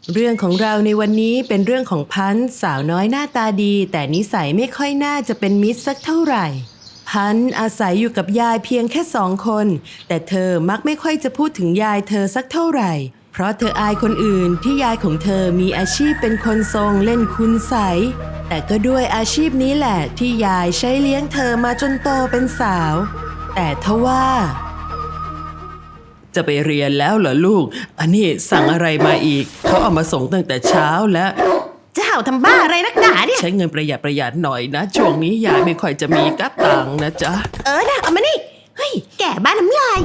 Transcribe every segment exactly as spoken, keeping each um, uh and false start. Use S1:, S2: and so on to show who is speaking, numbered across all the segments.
S1: เรื่องของเราในวันนี้เป็นเรื่องของพันธุ์สาวน้อยหน้าตาดีแต่นิสัยไม่ค่อยน่าจะเป็นมิตรสักเท่าไหร่พันธุ์อาศัยอยู่กับยายเพียงแค่สองคนแต่เธอมักไม่ค่อยจะพูดถึงยายเธอสักเท่าไหร่เพราะเธออายคนอื่นที่ยายของเธอมีอาชีพเป็นคนทรงเล่นคุณไสยแต่ก็ด้วยอาชีพนี้แหละที่ยายใช้เลี้ยงเธอมาจนโตเป็นสาวแต่ทว่าจะไปเรียนแล้วเหรอลูกอันนี้สั่งอะไรมาอีกเขาเอามาส่งตั้งแต่เช้าแล้ว
S2: จะเห่าทำบ้าอะไรนักหนาเนี่ย
S1: ใช้เงินประหยัดประหยัดหน่อยนะช่วงนี้ยายไม่ค่อยจะมีกระตังนะจ๊ะ
S2: เออนะเอามานี่เฮ้ยแก่บ้านน้ำลาย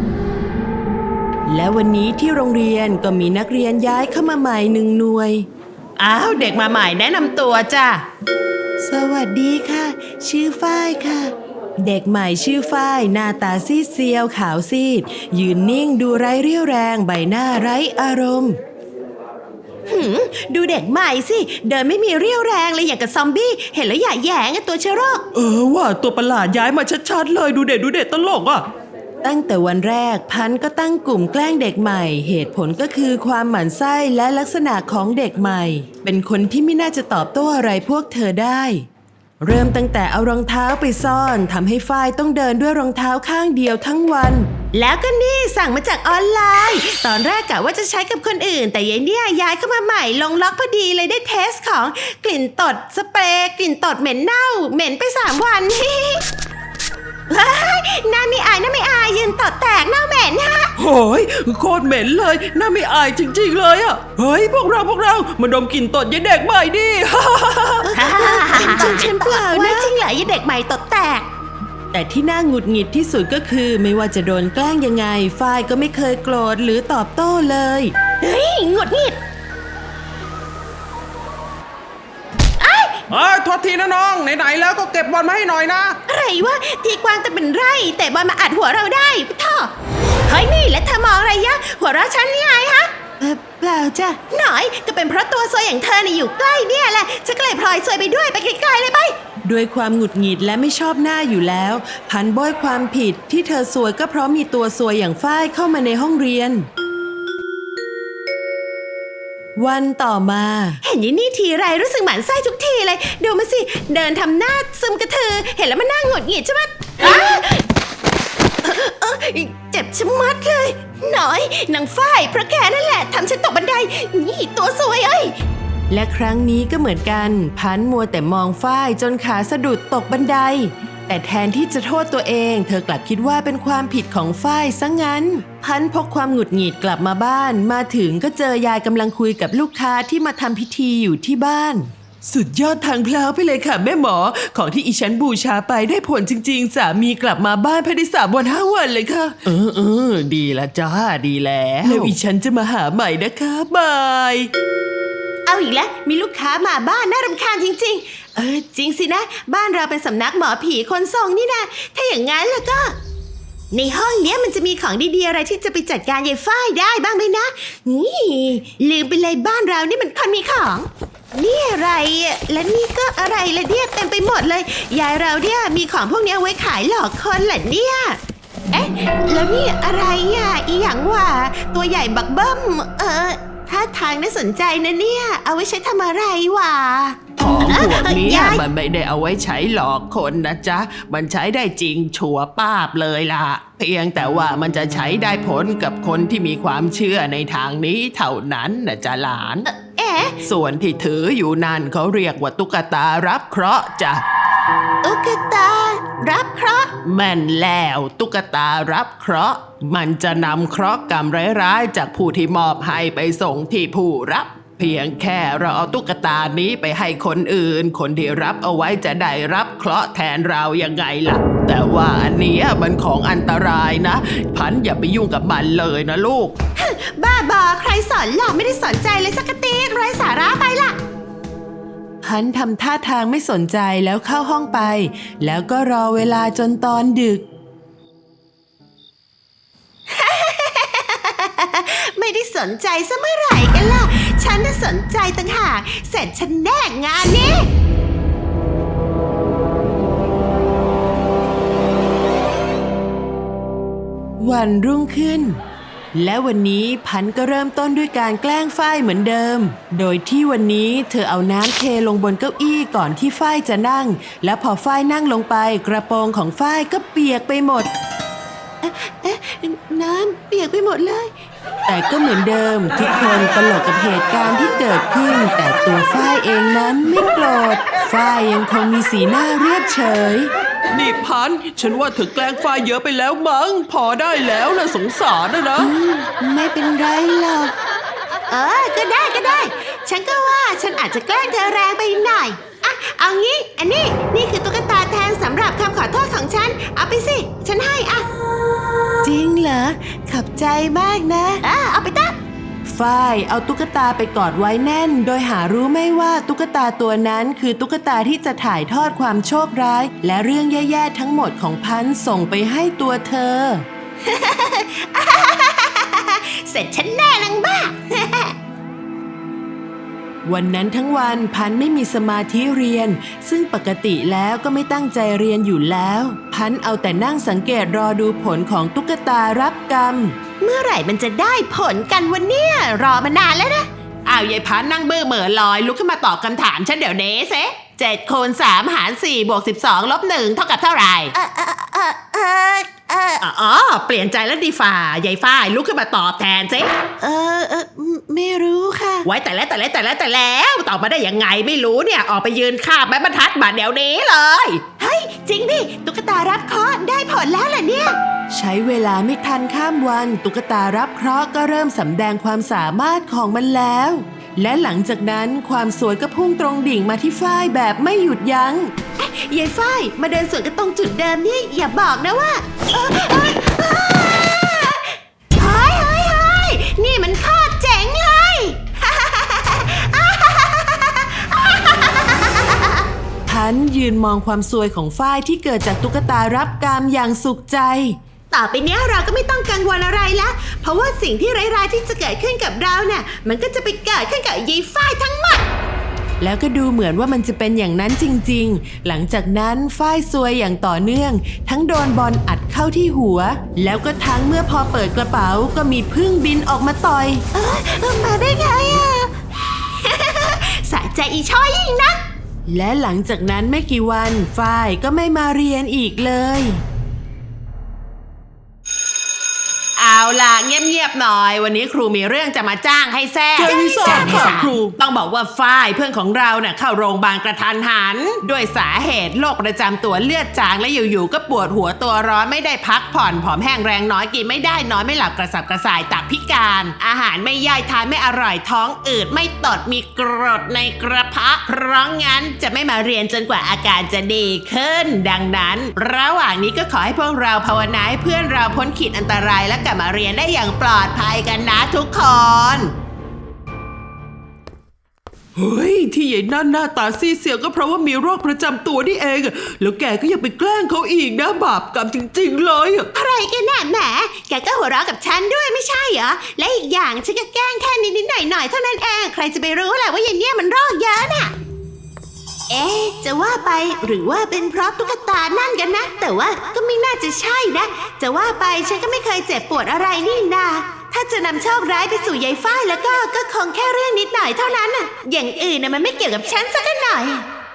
S1: และวันนี้ที่โรงเรียนก็มีนักเรียนย้ายเข้ามาใหม่หนึ่งหน่วย
S2: อ้าวเด็กมาใหม่แนะนำตัวจ้ะ
S1: สวัสดีค่ะชื่อฝ้ายค่ะเด็กใหม่ชื่อฝ้ายหน้าตาซีดเซียวขาวซีดยืนนิ่งดูไร้เรี่ยวแรงใบหน้าไร้อารมณ์
S2: หืมดูเด็กใหม่สิเดินไม่มีเรี่ยวแรงเลยอย่างกับซอมบี้เห็นแล้วอย่าแหยงตัวเชื้อโรค
S1: เออว่าตัวประหลาดย้ายมาชัดๆเลยดูเด็ดดูเด็ดตลกอ่ะตั้งแต่วันแรกพันก็ตั้งกลุ่มแกล้งเด็กใหม่เหตุผลก็คือความหมั่นไส้และลักษณะของเด็กใหม่เป็นคนที่ไม่น่าจะตอบโต้อะไรพวกเธอได้เริ่มตั้งแต่เอารองเท้าไปซ่อนทำให้ฝ้ายต้องเดินด้วยรองเท้าข้างเดียวทั้งวัน
S2: แล้วก็นี่สั่งมาจากออนไลน์ตอนแรกกะว่าจะใช้กับคนอื่นแต่ยายเนี่ยย้ายเข้ามาใหม่ลงล็อกพอดีเลยได้เทสของกลิ่นตดสเปรย์กลิ่นตดเหม็นเน่าเหม็นไปสามวันน่าไม่อายน่าไม่อายยืนตดแตกเน่าเหม็นฮะ
S1: โอ้ยโคตรเหม็นเลยน่าไม่อายจริงๆเลยอ่ะเฮ้ยพวกเราพวกเรามาดมกลิ่นตดยายเด็กใหม่ดิ
S2: จริงฉันเปล่านะจริงเหรอยายเด็กใหม่ตดแตก
S1: แต่ที่น่าหงุดหงิดที่สุดก็คือไม่ว่าจะโดนแกล้งยังไงฝ้ายก็ไม่เคยโกรธหรือตอบโต้เลย
S2: เฮ้ยหงุดหงิด
S1: เอ้ยโทษทีนะน้องไหนๆแล้วก็เก็บบอลมาให้หน่อยนะ
S2: อะไรวะทีกวางแต่เป็นไรแต่บอลมาอัดหัวเราได้ท่อเฮ้ยนี่แล้วเธอมองอะไรยะหัวเราะฉันนี่ไงฮะ
S1: เปล่าจ้ะ
S2: หน่อยก็เป็นเพราะตัวซวยอย่างเธอเนี่ยอยู่ใกล้เนี่ยแหละฉันก็เลยพลอยซวยไปด้วยไปไกลๆเลยไป
S1: ด้วยความหงุดหงิดและไม่ชอบหน้าอยู่แล้วพันโบยความผิดที่เธอซวยก็เพราะมีตัวซวยอย่างฝ้ายเข้ามาในห้องเรียนวันต่อมา
S2: เห็นยี่นี่ทีไรรู้สึกหมั่นไส้ทุกทีเลยดูมาสิเดินทำหน้าซึมกระเทือเห็นแล้วมันน่าหงุดหงิดใช่ไหมเจ็บชะมัดเลยหน่อยนางฝ้ายเพราะแกนั่นแหละทำฉันตกบันไดนี่ตัวซวยเอ้ย
S1: และครั้งนี้ก็เหมือนกันพันมัวแต่มองฝ้ายจนขาสะดุดตกบันไดแต่แทนที่จะโทษตัวเองเธอกลับคิดว่าเป็นความผิดของฝ้ายซะงั้นพันพกความหงุดหงิดกลับมาบ้านมาถึงก็เจอยายกำลังคุยกับลูกค้าที่มาทำพิธีอยู่ที่บ้านสุดยอดทางเพลาไปเลยค่ะแม่หมอของที่อีฉันบูชาไปได้ผลจริงๆสามีกลับมาบ้านภายในสามวันห้าวันเลยค่ะเออเออดีละจ้าดีแล้วแล้วอีฉันจะมาหาใหม่นะคะบาย
S2: เอาอีกแล้วมีลูกค้ามาบ้านน่ารำคาญจริงๆเออจริงสินะบ้านเราเป็นสำนักหมอผีคนทรงนี่นะถ้าอย่างงั้นแล้วก็ในห้องเนี้ยมันจะมีของดีๆอะไรที่จะไปจัดการยายฝ้ายได้บ้างไหมนะนี่ลืมไปเลยบ้านเรานี่มันคนมีของนี่อะไรและนี่ก็อะไรละเนี่ยเต็มไปหมดเลยยายเราเนี่ยมีของพวกนี้เอาไว้ขายหลอกคนเหรอเนี่ยเอ๊ะแล้วนี่อะไรอ่ะอีหยังวะตัวใหญ่บักเบิ้มเออถ้าทางน่าสนใจนะเนี่ยเอาไว้ใช้ทำอะไรวะ
S1: ของพวกนี้มันไม่ได้เอาไว้ใช้หลอกคนนะจ๊ะมันใช้ได้จริงชัวร์ป้าบเลยล่ะเพียงแต่ว่ามันจะใช้ได้ผลกับคนที่มีความเชื่อในทางนี้เท่านั้นนะจ๊ะหลาน
S2: เอ๊ะ
S1: ส่วนที่ถืออยู่นั่นเขาเรียกว่าตุ๊กตารับเคราะห์จ้ะ
S2: ตุ๊กตารับเคราะห์
S1: แม่นแล้วตุ๊กตารับเคราะห์มันจะนำเคราะห์กรรมร้ายๆจากผู้ที่มอบให้ไปส่งที่ผู้รับเพียงแค่เราเอาตุ๊กตานี้ไปให้คนอื่นคนที่รับเอาไว้จะได้รับเคราะห์แทนเรายังไงล่ะแต่ว่าอันนี้มันของอันตรายนะพันอย่าไปยุ่งกับมันเลยนะลูก
S2: บ้าบอใครสอนหรอไม่ได้สนใจเลยสักทีไร้สาระไปล่ะ
S1: พันทำท่าทางไม่สนใจแล้วเข้าห้องไปแล้วก็รอเวลาจนตอนดึก
S2: ไม่ได้สนใจซะเมื่อไหร่กันล่ะฉันน่ะสนใจต่างหากเสร็จฉันแน่งานนี้
S1: วันรุ่งขึ้นและวันนี้พันธุ์ก็เริ่มต้นด้วยการแกล้งฝ้ายเหมือนเดิม โดยที่วันนี้เธอเอาน้ำเทลงบนเก้าอี้ก่อนที่ฝ้ายจะนั่ง และพอฝ้ายนั่งลงไปกระโปรงของฝ้ายก็เปียกไปหมด
S2: เอ๊ะน้ำเปียกไปหมดเลย
S1: แต่ก็เหมือนเดิมทุกคนตลกกับเหตุการณ์ที่เกิดขึ้น แต่ตัวฝ้ายเองนั้นไม่โกรธฝ้ายยังคงมีสีหน้าเรียบเฉย
S3: นี่พันธุ์ฉันว่าเธอแกล้งฝ้ายเยอะไปแล้วมั้งพอได้แล้วนะสงสารนะนะ
S1: ไม่เป็นไรหรอก
S2: เออ ก็ได้ก็ได้ ฉันก็ว่าฉันอาจจะแกล้งเธอแรงไปหน่อยอ่ะเอางี้ อันนี้นี่คือตุ๊กตาแทนสำหรับคำขอโทษของฉัน เอาไปสิ ฉันให้อ่ะ
S1: จริงเหรอขอบใจมากนะ
S2: อ่ะเอาไปตั้ง
S1: ฝ้ายเอาตุ๊กตาไปกอดไว้แน่น โดยหารู้ไม่ว่าตุ๊กตาตัวนั้นคือตุ๊กตาที่จะถ่ายทอดความโชคร้าย และเรื่องแย่ๆทั้งหมดของพันธุ์ส่งไปให้ตัวเธอ
S2: เสร็จฉันแน่นางบ้า
S1: วันนั้นทั้งวันพันธุ์ไม่มีสมาธิเรียน ซึ่งปกติแล้วก็ไม่ตั้งใจเรียนอยู่แล้ว พันธุ์เอาแต่นั่งสังเกตรอดูผลของตุ๊กตารับกรรม
S2: เมื่อไหร่มันจะได้ผลกันวันเนี้ยรอมานานแล้วนะ
S3: อ้าวยายพันธุ์นั่งเบื่อเหม่อลอยลุกขึ้นมาตอบคำถามฉันเดี๋ยวนี้เซเจ็ดคูณสามหารสี่บวกสิบสองลบหนึ่งเท่ากับเท่าไหร่
S2: เออเออเออเออเออ
S3: อ๋อเปลี่ยนใจแล้วดีฝ่ายายฝ้ายลุกขึ้นมาตอบแทนสิ
S2: เออเออไม่รู้ค่ะ
S3: ไว้แต่แล้วแต่แล้วแต่แล้วแต่แล้วตอบมาได้ยังไงไม่รู้เนี่ยออกไปยืนคาบไม้บรรทัดบัดเดี๋ยวนี้เลย
S2: เฮ้ย จริงดิตุ๊กตารับเคราะห์ได้ผลแล้วเหรอเนี่ย
S1: ใช้เวลาไม่ทันข้ามวันตุ๊กตารับเคราะห์ก็เริ่มสำแดงความสามารถของมันแล้ว และหลังจากนั้นความสวยก็พุ่งตรงดิ่งมาที่ฝ้ายแบบไม่หยุดยัง้ง
S2: ยายฝ้ายมาเดินสวนกันตรงจุดเดิมนี่อย่าบอกนะว่าเออเออเออเฮ้ยเฮ้ยเฮ้ยนี่มันโคตรเจ๋งเลย
S1: พันธุ์ยืนมองความสวยของฝ้ายที่เกิดจากตุ๊กตารับกรรมอย่างสุขใจ
S2: ต่อไปเนี้ยเราก็ไม่ต้องกังวลอะไรละเพราะว่าสิ่งที่ร้ายๆที่จะเกิดขึ้นกับเราเนี่ยมันก็จะไปเกิดขึ้นกับยายฝ้ายทั้งหมด
S1: แล้วก็ดูเหมือนว่ามันจะเป็นอย่างนั้นจริงๆ หลังจากนั้นฝ้ายซวยอย่างต่อเนื่อง ทั้งโดนบอลอัดเข้าที่หัว แล้วก็ทั้งเมื่อพอเปิดกระเป๋าก็มีผึ้งบินออกมาต่อย
S2: เออมาได้ไงอ่ะ สะใจอีช้อยยิ่งนัก
S1: และหลังจากนั้นไม่กี่วันฝ้ายก็ไม่มาเรียนอีกเลย
S3: เอาล่ะเงียบๆหน่อยวันนี้ครูมีเรื่องจะมาจ้างให้แซ่
S1: แจ้งให้ทราบค่ะครู
S3: ต้องบอกว่าฝ้ายเพื่อนของเราเนี่ยเข้าโรงพยาบาลกระทันหันด้วยสาเหตุโรคประจำตัวเลือดจางและอยู่ๆก็ปวดหัวตัวร้อนไม่ได้พักผ่อนผอมแห้งแรงน้อยกินไม่ได้นอนไม่หลับกระสับกระส่ายตับพิการ อาหารไม่ย่อยทานไม่อร่อยท้องอืดไม่ตดมีกรดในกระเพาะเพราะงั้นจะไม่มาเรียนจนกว่าอาการจะดีขึ้น ดังนั้น ระหว่างนี้ก็ขอให้พวกเราภาวนาให้เพื่อนเราพ้นขีดอันตรายและกลับมาเรียนได้อย่างปลอดภัยกันนะทุกคน
S4: เฮ้ยที่ใหญ่นั่นหน้าตาซีดเสียวก็เพราะว่ามีโรคประจำตัวนี่เองอะแล้วแกก็ยังไปแกล้งเขาอีกนะบาปกรรมจริงๆเลยอะ
S2: อะไรกันน่ะแหมแกก็หัวเราะกับฉันด้วยไม่ใช่เหรอ และอีกอย่างฉันก็แกล้งแค่นิดๆหน่อยๆเท่านั้นเอง ใครจะไปรู้แหละว่าอย่างเนี้ยมันโรคเยอะน่ะ เอ๊ะจะว่าไปหรือว่าเป็นเพราะตุ๊กตานั่นกันนะ แต่ว่าก็ไม่น่าจะใช่นะ จะว่าไปฉันก็ไม่เคยเจ็บปวดอะไรนี่นาถ้าจะนำโชคร้ายไปสู่ยายฝ้ายแล้วก็ก็คงแค่เรื่องนิดหน่อยเท่านั้นน่ะ อย่างอื่นน่ะมันไม่เกี่ยวกับฉันสักหน่อย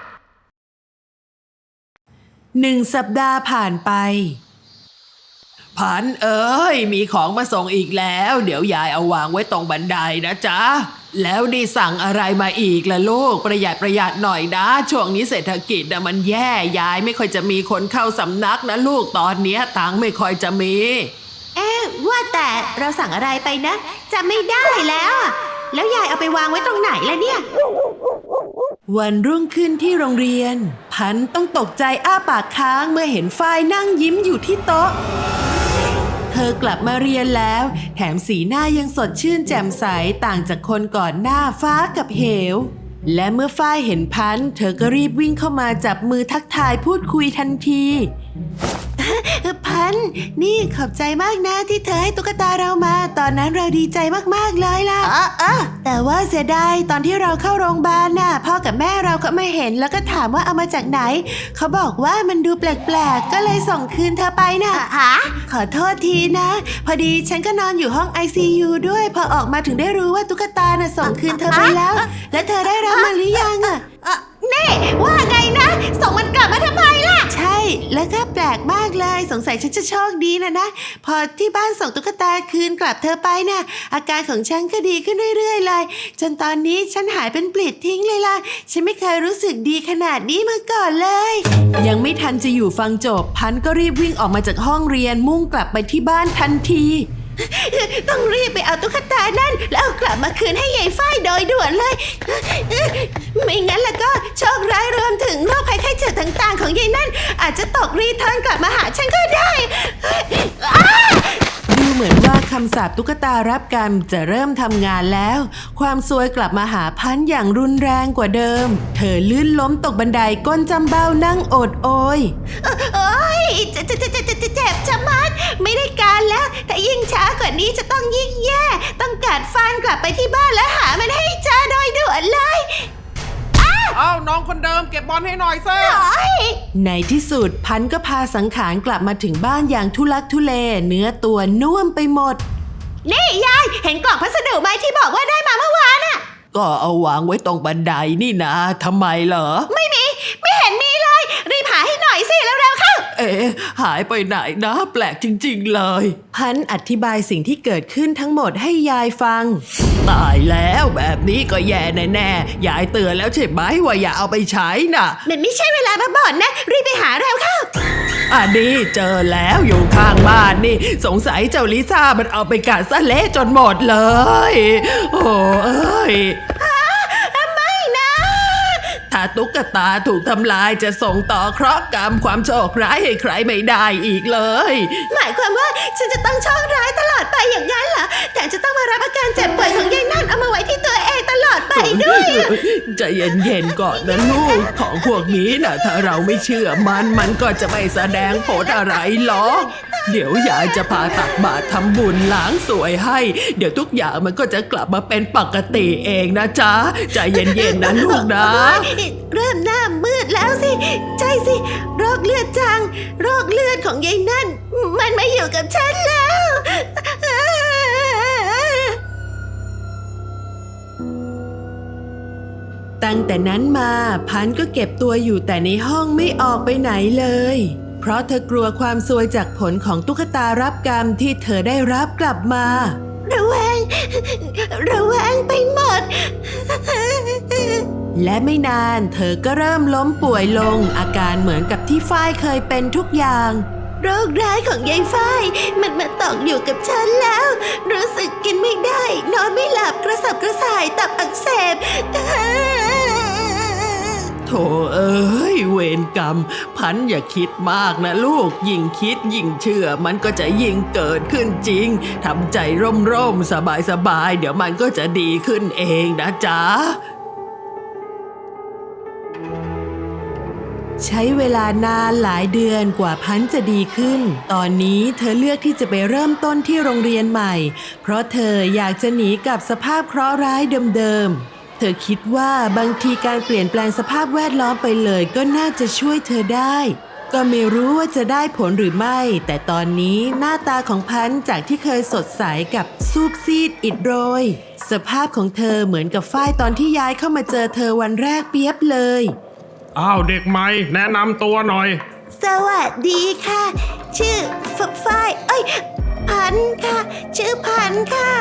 S1: หนึ่งสัปดาห์ผ่านไป
S4: พันเอ้ยมีของมาส่งอีกแล้ว เดี๋ยวยายเอาวางไว้ตรงบันไดนะจ๊ะแล้วนี่สั่งอะไรมาอีกล่ะลูกประหยัดประหยัดหน่อยนะช่วงนี้เศรษฐกิจนะมันแย่ยายไม่ค่อยจะมีคนเข้าสำนักนะลูกตอนเนี้ยตังค์ไม่ค่อยจะมี
S2: เอ๊ะว่าแต่เราสั่งอะไรไปนะจำไม่ได้แล้วอะแล้วยายเอาไปวางไว้ตรงไหนล่ะเนี่ย
S1: วันรุ่งขึ้นที่โรงเรียน พันธุ์ต้องตกใจอ้าปากค้างเมื่อเห็นฝ้ายนั่งยิ้มอยู่ที่โต๊ะ เธอกลับมาเรียนแล้ว แถมสีหน้ายังสดชื่นแจ่มใสต่างจากคนก่อนหน้าฟ้ากับเหว และเมื่อฝ้ายเห็นพันธุ์เธอก็รีบวิ่งเข้ามาจับมือทักทายพูดคุยทันที
S2: พันธุ์นี่ขอบใจมากนะที่เธอให้ตุ๊กตาเรามา ตอนนั้นเราดีใจมากๆเลยล่ะเออเออแต่ว่าเสียดายตอนที่เราเข้าโรงพยาบาลน่ะพ่อกับแม่เราก็มาเห็นแล้วก็ถามว่าเอามาจากไหนเขาบอกว่ามันดูแปลกๆก็เลยส่งคืนเธอไปน่ะฮะขอโทษทีนะพอดีฉันก็นอนอยู่ห้อง ไอ ซี ยู ด้วยพอออกมาถึงได้รู้ว่าตุ๊กตาน่ะส่งคืนเธอไปแล้ว และเธอได้รับมันหรือยังอ่ะนี่ว่าไงนะส่งมันกลับมาทำไมล่ะใช่แล้วก็แปลกมากเลยสงสัยฉันจะโชคดีนะนะพอที่บ้านส่งตุ๊กตาคืนกลับเธอไปน่ะอาการของฉันก็ดีขึ้นเรื่อยๆเลยจนตอนนี้ฉันหายเป็นปลิดทิ้งเลยล่ะฉันไม่เคยรู้สึกดีขนาดนี้มาก่อนเลย
S1: ยังไม่ทันจะอยู่ฟังจบพันธุ์ก็รีบวิ่งออกมาจากห้องเรียนมุ่งกลับไปที่บ้านทันที
S2: ต้องรีบไปเอาตุ๊กตานั่นแล้วเอากลับมาคืนให้ยายฝ้ายโดยด่วนเลยไม่งั้นแล้วก็โชคร้ายรวมถึงโรคภัยไข้เจ็บต่างๆของยายนั่นอาจจะตกรีเทิร์นกลับมาหาฉันก็ได้
S1: ดูเหมือนว่าคำสาปตุ๊กตารับกรรมจะเริ่มทำงานแล้วความซวยกลับมาหาพันธุ์อย่างรุนแรงกว่าเดิมเธอลื่นล้มตกบันไดก้นจำเบ้านั่งโอดโอย
S2: โอ้ยเจ็บเจ็บเจ็บเจ็บเจ็บชะมัดไม่ได้การแล้วถ้ายิ่งช้ากว่านี้จะต้องยิ่งแย่ต้องกัดฟันกลับไปที่บ้านแล้วหามันให้เจอโดยด่วนเลย
S3: เอ้าน้องคนเดิมเก็บบอลให้หน่อยซิ
S1: ในที่สุดพันธุ์ก็พาสังขารกลับมาถึงบ้านอย่างทุลักทุเลเนื้อตัวน่วมไปหมด
S2: นี่ยายเห็นกล่องพัสดุไหมที่บอกว่าได้มาเมื่อวานน่ะ
S4: ก็เอาวางไว้ตรงบันไดนี่นะทำไมเหรอ
S2: ไม่มีไม่เห็นมีเลยรีบหาให้หน่อยสิเร็วๆเข้า
S4: เอ๊ะหายไปไหนนะแปลกจริงๆเลย
S1: พันธุ์อธิบายสิ่งที่เกิดขึ้นทั้งหมดให้ยายฟัง
S4: ตายแล้วแบบนี้ก็แย่แน่ๆยายเตือนแล้วใช่ไหมว่าอย่าเอาไปใช้น่ะ
S2: มันไม่ใช่เวลามาบ่นนะรีบไปหาเร็วเข้า
S4: อันนี้เจอแล้วอยู่ข้างบ้านนี่สงสัยเจ้าลิซ่ามันเอาไปกัดซะเละจนหมดเลยโอ้เอ้ย
S2: ไม่นะ
S4: ถ้าตุ๊กตาถูกทำลายจะส่งต่อเคราะห์กรรมความโชคร้ายให้ใครไม่ได้อีกเลย
S2: หมายความว่าฉันจะต้องโชคร้ายตลอดไปอย่างนั้นเหรอแต่จะต้องมารับอาการเจ็บป่วยของยายนั่นเอามาไว้ที่ตัวเองตลอดไปด้วย
S4: ใจเย็นๆก่อนนะลูกของพวกนี้นะถ้าเราไม่เชื่อมันมันก็จะไม่แสดงผลอะไรหรอกเดี๋ยวยายจะพาตักบาตรทำบุญล้างสวยให้เดี๋ยวทุกอย่างมันก็จะกลับมาเป็นปกติเองนะจ๊ะใจเย็นๆนะลูกนะ
S2: เริ่มหน้ามืดแล้วสิใช่สิโรคเลือดจางโรคเลือดของยายนั่นมันมาอยู่กับฉันแล้ว
S1: ตั้งแต่นั้นมาพันธุ์ก็เก็บตัวอยู่แต่ในห้องไม่ออกไปไหนเลยเพราะเธอกลัวความซวยจากผลของตุ๊กตารับกรรมที่เธอได้รับกลับมา
S2: ระแวงระแวงไปหมด
S1: และไม่นานเธอก็เริ่มล้มป่วยลงอาการเหมือนกับที่ฝ้ายเคยเป็นทุกอย่าง
S2: โรคร้ายของยายฝ้ายมันมาตอกอยู่กับฉันแล้วรู้สึกกินไม่ได้นอนไม่หลับกระสับกระส่ายตับอักเสบ
S4: โธ่เอ้ยเวรกรรมพันอย่าคิดมากนะลูกยิ่งคิดยิ่งเชื่อมันก็จะยิ่งเกิดขึ้นจริงทำใจร่มๆสบายๆเดี๋ยวมันก็จะดีขึ้นเองนะจ๊ะ
S1: ใช้เวลานานหลายเดือนกว่าพันธุ์จะดีขึ้นตอนนี้เธอเลือกที่จะไปเริ่มต้นที่โรงเรียนใหม่เพราะเธออยากจะหนีกับสภาพเคราะห์ร้ายเดิมๆเธอคิดว่าบางทีการเปลี่ยนแปลงสภาพแวดล้อมไปเลยก็น่าจะช่วยเธอได้ก็ไม่รู้ว่าจะได้ผลหรือไม่แต่ตอนนี้หน้าตาของพันธุ์จากที่เคยสดใสกับซูบซีดอิดโรยสภาพของเธอเหมือนกับฝ้ายตอนที่ย้ายเข้ามาเจอเธอวันแรกเปียบเลย
S5: อ้าวเด็กใหม่แนะนำตัวหน่อย
S2: สวัสดีค่ะชื่อฟฝ้ายเอ้ยพันค่ะชื่อพันค่ะ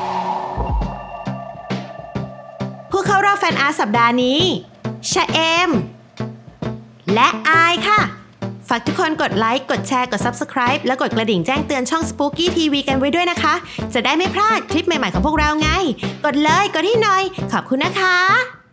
S2: ผู้เข้ารอบแฟนอาร์ตสัปดาห์นี้ชะเอมและอายค่ะฝากทุกคนกดไลค์กดแชร์กด ซับสไครบ์ และกดกระดิ่งแจ้งเตือนช่อง Spooky ที วี กันไว้ด้วยนะคะจะได้ไม่พลาดคลิปใหม่ๆของพวกเราไงกดเลยกดให้หน่อยขอบคุณนะคะ